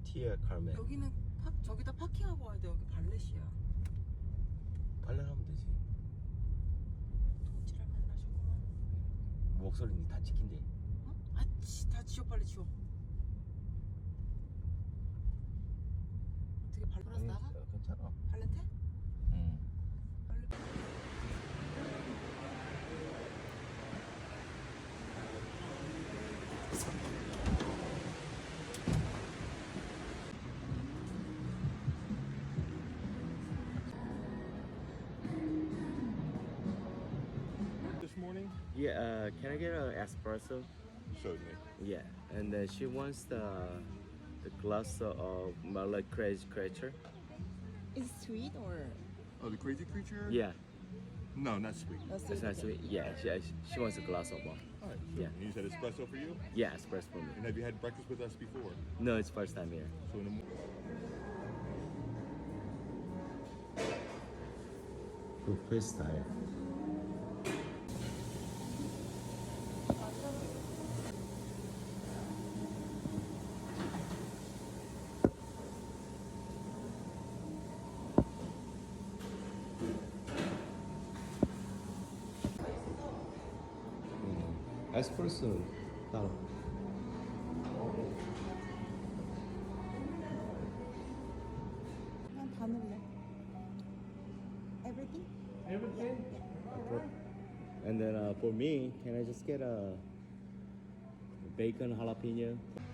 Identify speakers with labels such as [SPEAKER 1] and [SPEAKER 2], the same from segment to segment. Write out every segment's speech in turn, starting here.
[SPEAKER 1] 티에 카르멘.
[SPEAKER 2] 여기는 저기다 파킹하고 와야 돼. 여기 발렛이야.
[SPEAKER 1] 발레하면 되지.
[SPEAKER 2] 도지를 만나셨구만.
[SPEAKER 1] 목소리는 다 찍힌대.
[SPEAKER 2] 어? 다 지워, 빨리 지워. 어떻게 발렛 나가?
[SPEAKER 1] 괜찮아.
[SPEAKER 2] 발렛 해?
[SPEAKER 1] 응.
[SPEAKER 2] 발렛.
[SPEAKER 3] This morning?
[SPEAKER 1] Yeah, can I get an espresso?
[SPEAKER 3] Certainly.
[SPEAKER 1] Yeah, and she wants the glass of Malay crazy creature.
[SPEAKER 2] Is it sweet or
[SPEAKER 3] Oh, the crazy creature?
[SPEAKER 1] Yeah,
[SPEAKER 3] No, not sweet.
[SPEAKER 2] not
[SPEAKER 1] it's not sweet. Yeah, she wants a glass of one.
[SPEAKER 3] All right.
[SPEAKER 1] Yeah.
[SPEAKER 3] And you said espresso for you?
[SPEAKER 1] Yeah, espresso for me.
[SPEAKER 3] And have you had breakfast with us before?
[SPEAKER 1] No, it's first time here.
[SPEAKER 3] So in the
[SPEAKER 1] Buffet style. 에스프레소 따로.
[SPEAKER 2] 그냥 다 넣을래? Everything?
[SPEAKER 1] And then for me, can I just get a bacon jalapeno?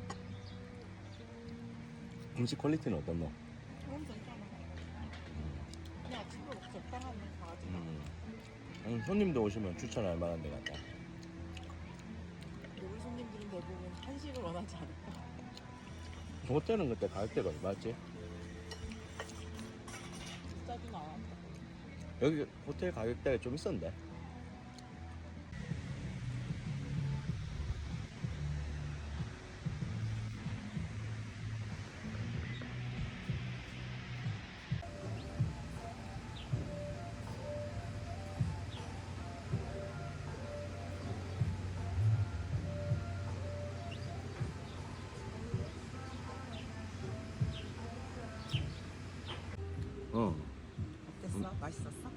[SPEAKER 1] 음식 퀄리티는 어떤노?
[SPEAKER 2] 그럼 괜찮아. 그냥 아침으로 적당한 강아지.
[SPEAKER 1] 손님도 오시면 추천할 만한 데 같다.
[SPEAKER 2] 우리 손님들은 대부분 한식을 원하지 않을까?
[SPEAKER 1] 호텔은 그때 가격대가 얼마였지?
[SPEAKER 2] 비싸진 않았다.
[SPEAKER 1] 여기 호텔 가격대가 좀 있었는데.
[SPEAKER 2] 어땠어? 맛있었어?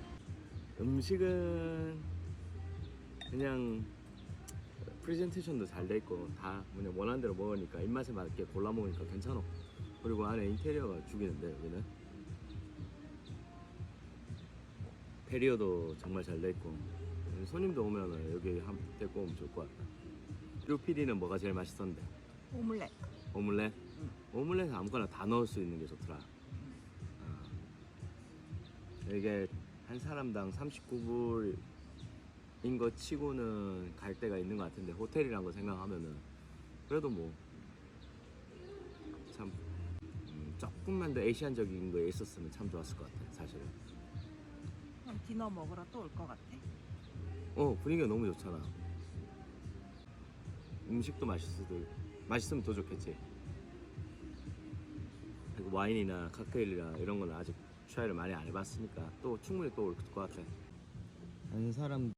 [SPEAKER 1] 음식은 그냥 프레젠테이션도 잘 돼 있고 다 그냥 원하는 대로 먹으니까 입맛에 맞게 골라 먹으니까 괜찮아. 그리고 안에 인테리어가 죽이는데 여기는 인테리어도 정말 잘 돼 있고 손님도 오면은 여기 한 데리고 오면 좋을 것 같다. 류피디는 뭐가 제일 맛있었는데?
[SPEAKER 2] 오믈렛.
[SPEAKER 1] 오믈렛?
[SPEAKER 2] 응.
[SPEAKER 1] 오믈렛에 아무거나 다 넣을 수 있는 게 좋더라. 이게 한 사람당 39불인 거 치고는 갈 데가 있는 것 같은데 호텔이란 거 생각하면은 그래도 뭐 참 조금만 더 에이시안적인 거에 있었으면 참 좋았을 것 같아 사실은.
[SPEAKER 2] 그럼 디너 먹으러 또 올 것 같아.
[SPEAKER 1] 분위기가 너무 좋잖아. 음식도 맛있으면 더 좋겠지. 그리고 와인이나 칵테일이나 이런 거는 아직 트라이를 많이 안 해봤으니까 또 충분히 또 올 것 같아. 아는 사람